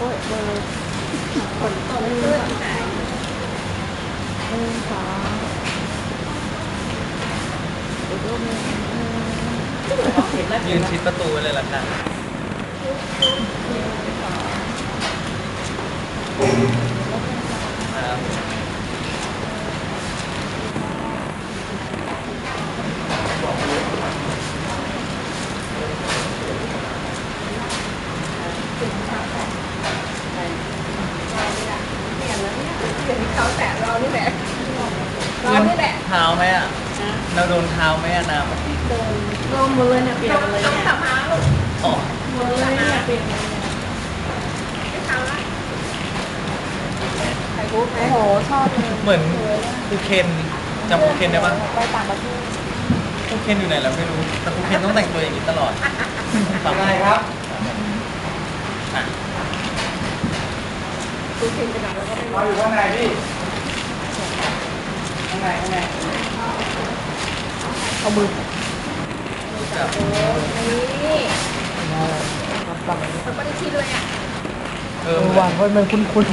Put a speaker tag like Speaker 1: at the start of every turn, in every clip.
Speaker 1: อ้ยเบอร์ฝนตกเลือดหายขา
Speaker 2: ยืนชิดประตูเลยล่ะค่ะครับ
Speaker 1: เขาแตะเรานี่แหละเรานี่แหละ
Speaker 2: เท้าไหมอ่ะเราโดนเท้าไหมอ่ะน้ำเมื่อกี้
Speaker 1: ลมหมดเลยเนี่ยเปลี่ยนเลยต้องสับหาลูก
Speaker 2: อ๋อ
Speaker 1: หมดเลยเนี่ยเปลี่ยนเลยไม่ทำละไข่กุ๊กโอ้โหชอบเลย
Speaker 2: เหมือนครูเคนจำครูเคนได้ปะ
Speaker 1: ไปต่างประเทศ
Speaker 2: ครูเคนอยู่ไหนแล้วไม่รู้แต่ครูเคนต้องแต่งตัวอย่างนี้ตลอดทำไงครับอ่ะ
Speaker 1: ดูเค็มไปหน่อยแล้วก็ไป
Speaker 2: เราอยู่ข้างในพี่ข้างใน
Speaker 1: เอามือ
Speaker 2: จับ
Speaker 1: นี่มันไม่ได้ชินเลยอ่ะ
Speaker 2: หวานเพราะมันคุ้น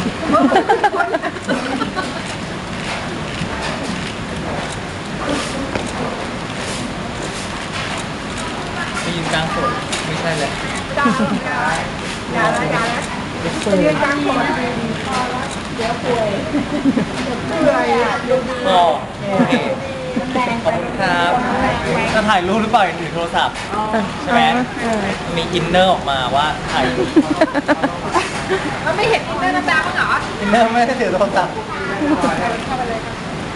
Speaker 2: ไปยืนกลางฝนไม่ใช่เลย
Speaker 1: อย่าแล้วจะยืนกลางฝนเดี๋ยวป่วยเปื่อย
Speaker 2: ก็โอเคขอบคุณครับจะถ่ายรูปหรือเปล่าถือโทรศัพท์ใช่ไหมมีอินเนอร์ออกมาว่าถ่ายรูป
Speaker 1: มันไม่เห็นอินเนอร์น้ำตาบ้างเหรอ
Speaker 2: อินเนอร์ไม่ได้ถือโทรศัพท์
Speaker 1: เข้าไปเลย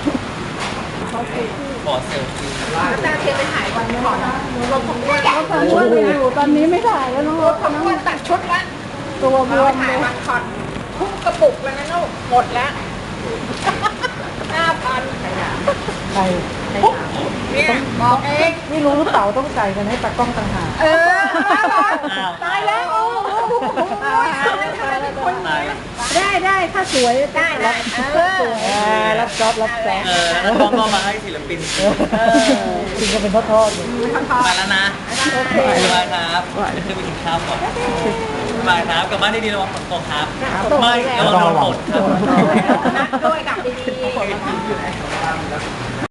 Speaker 2: ขอเซลฟี่
Speaker 1: น้ำตาเทียนไปถ่ายวันก่อนรถของอ้วนอยู่ตอนนี้ไม่ถ่ายแล้วน้องรถของอ้วนตัดชุดละตัวบวมถ่ายวันคอนทุกกระปุกเลยนะลูกหมดแล้ว5,000
Speaker 3: ใคร
Speaker 1: เนี่ยบอกเอง
Speaker 3: ไม่รู้หรือเปล่าต้องจ่ายกันให้ตากล้องต่างหาก
Speaker 1: ตายแล้วโอ้โหได้ถ้าสวยได้
Speaker 3: รับจ็อบ
Speaker 2: แล้วต้องก็มาให้ศิลปิน
Speaker 3: จริงก็เป็นทอดๆอยู่
Speaker 2: มาแล้วนะบ๊ายบายครับจะขึ้นไปกินข้าวก่อนบ๊ายบายครับกลับบ้านดีๆระวังฝนตกครับไม่ระวังโดนฝนครับ
Speaker 1: ด้วยกับดีๆ